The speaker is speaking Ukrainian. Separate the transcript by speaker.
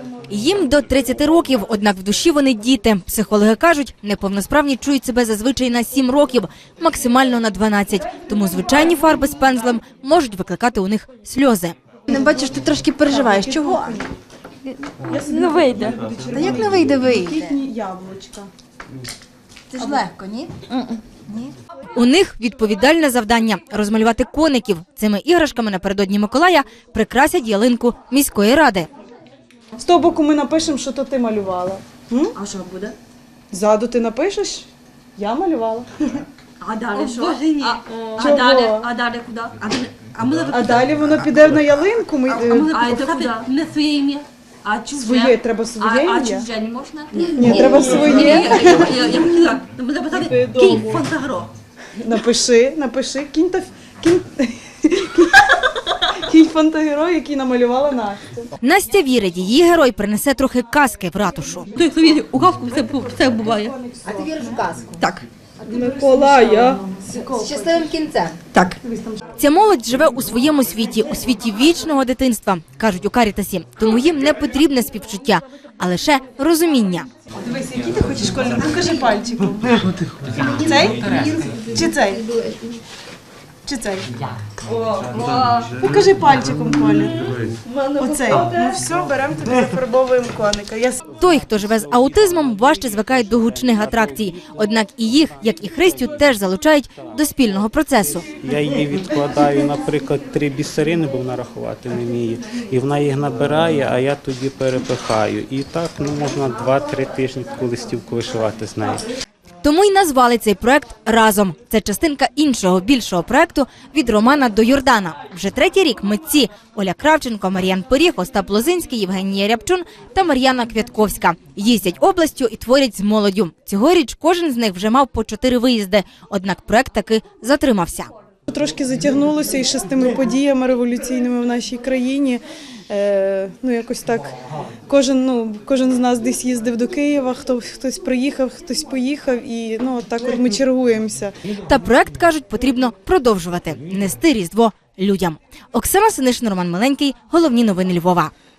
Speaker 1: Їм до 30 років, однак в душі вони діти. Психологи кажуть, неповносправні чують себе зазвичай на 7 років, максимально на 12. Тому звичайні фарби з пензлем можуть викликати у них сльози.
Speaker 2: Не бачиш, ти трошки переживаєш. Чого?
Speaker 3: Не вийде.
Speaker 2: Та як не вийде, вийде?
Speaker 4: Яблучка.
Speaker 2: Це ж легко, ні?
Speaker 1: У них відповідальне завдання – розмалювати коників. Цими іграшками напередодні Миколая прикрасять ялинку міської ради.
Speaker 4: З того боку ми напишемо, що то ти малювала.
Speaker 2: А що буде?
Speaker 4: Ззаду ти напишеш? Я малювала.
Speaker 3: А далі що?
Speaker 4: Чого?
Speaker 3: А далі куди?
Speaker 4: А далі воно піде на ялинку.
Speaker 3: А це куди? Не своє ім'я. А чуже?
Speaker 4: Своє, треба своє
Speaker 3: А
Speaker 4: ім'я?
Speaker 3: чуже не можна?
Speaker 4: Ні, треба своє.
Speaker 3: Я хотіла. Буде писати Кінь Фантагро.
Speaker 4: Напиши. Кінь фантагерой, який намалювала Настя.
Speaker 1: Настя вірить, її герой принесе трохи казки в ратушу.
Speaker 3: Той, хто вірить у казку, все буває.
Speaker 2: А ти віриш в казку?
Speaker 3: Так.
Speaker 4: Миколая.
Speaker 2: З щасливим кінцем.
Speaker 3: Так.
Speaker 1: Ця молодь живе у своєму світі, у світі вічного дитинства, кажуть у Карітасі. Тому їм не потрібне співчуття, а лише розуміння.
Speaker 4: Дивись, який ти хочеш кольор? Покажи пальчиком. Цей? Чи цей? Чи цей? Покажи пальчиком колір. Оцей. Ну все, беремо тобі, зафарбовуємо коника.
Speaker 1: Той, хто живе з аутизмом, важче звикає до гучних атракцій. Однак і їх, як і Христю, теж залучають до спільного процесу.
Speaker 5: Я її відкладаю, наприклад, 3 бісерини, бо вона рахувати не вміє. І вона їх набирає, а я тоді перепихаю. І так можна 2-3 тижні таку листівку вишивати з нею.
Speaker 1: Тому й назвали цей проект «Разом». Це частинка іншого, більшого проекту «Від Романа до Йордана». Вже 3-й рік митці Оля Кравченко, Мар'ян Поріг, Остап Лозинський, Євгенія Рябчун та Мар'яна Квятковська. Їздять областю і творять з молоддю. Цьогоріч кожен з них вже мав по 4 виїзди, однак проект таки затримався.
Speaker 4: Трошки затягнулося і ще з тими подіями революційними в нашій країні. Якось так, кожен з нас десь їздив до Києва, хтось приїхав, хтось поїхав, і так от ми чергуємося.
Speaker 1: Та проект, кажуть, потрібно продовжувати – нести Різдво людям. Оксана Синишин, Роман Миленький. Головні новини Львова.